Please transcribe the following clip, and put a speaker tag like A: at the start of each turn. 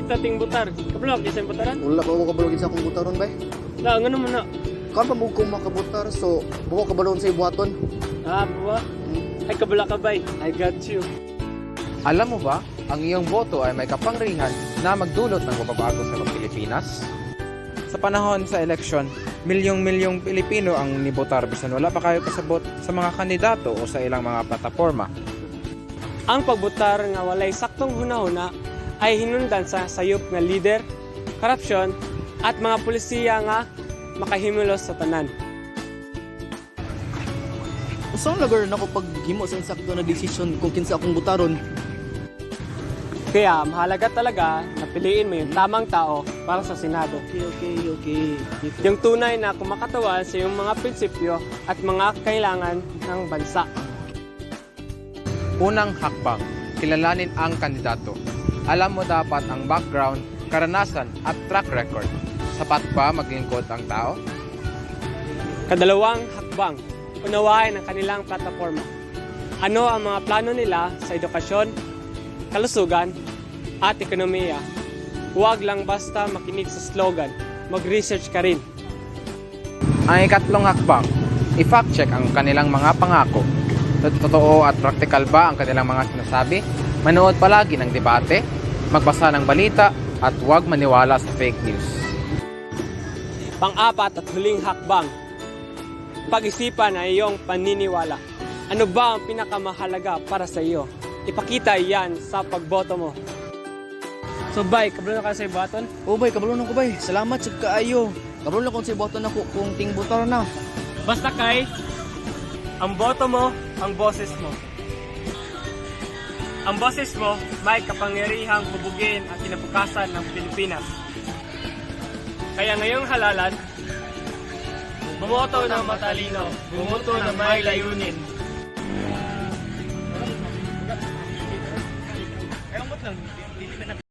A: tating butar. Kabulok, isa yung butaran.
B: Wala ko kabalogin sa akong butaron bay.
A: Na, ano mo na?
B: Kan pa mo kung makabutar so buwa kabalon sa ibuhaton.
A: Buwa. Ay, kabula ka bay. I got you.
C: Alam mo ba, ang iyong boto ay may kapangyarihan na magdulot ng pagbabago sa Pilipinas? Sa panahon sa eleksyon, milyong-milyong Pilipino ang nibotar bisan wala pa kayo kasabot sa mga kandidato o sa ilang mga plataforma.
A: Ang pagbutar nga walay saktong hunahuna ay hinundan sa sayop nga leader, korupsyon, at mga pulisiya nga makahimulos sa tanan.
B: Usang lagar na ko paghimo sa insakto na desisyon kung kinsa akong butaron.
A: Kaya mahalaga talaga na piliin mo yung tamang tao para sa Senado.
B: Okay.
A: Yung tunay na kumakatawan sa iyong mga prinsipyo at mga kailangan ng bansa.
C: Unang hakbang, kilalanin ang kandidato. Alam mo dapat ang background, karanasan at track record. Sapat ba maglingkod ang tao?
A: Kadalawang hakbang, unawain ang kanilang plataforma. Ano ang mga plano nila sa edukasyon, kalusugan, at ekonomiya. Huwag lang basta makinig sa slogan, mag-research ka rin.
C: Ang ikatlong hakbang, i-fact check ang kanilang mga pangako. Totoo at practical ba ang kanilang mga sinasabi? Manood palagi ng debate, magbasa ng balita, at huwag maniwala sa fake news.
A: Pang-apat at huling hakbang, pag-isipan ang iyong paniniwala. Ano ba ang pinakamahalaga para sa iyo? Ipakita yan sa pagboto mo. So bay, kabalo na ka sa ibaton?
B: Oh bay, kabalon ko bay. Salamat sa kaayo. Kabalon ko sa ibuhaton ako kung ting butar na.
A: Basta kay, ang boto mo, ang boses mo. Ang boses mo may kapangyarihang hubugin ang kinabukasan ng Pilipinas. Kaya ngayong halalan, bumoto ng matalino, bumoto ng may layunin.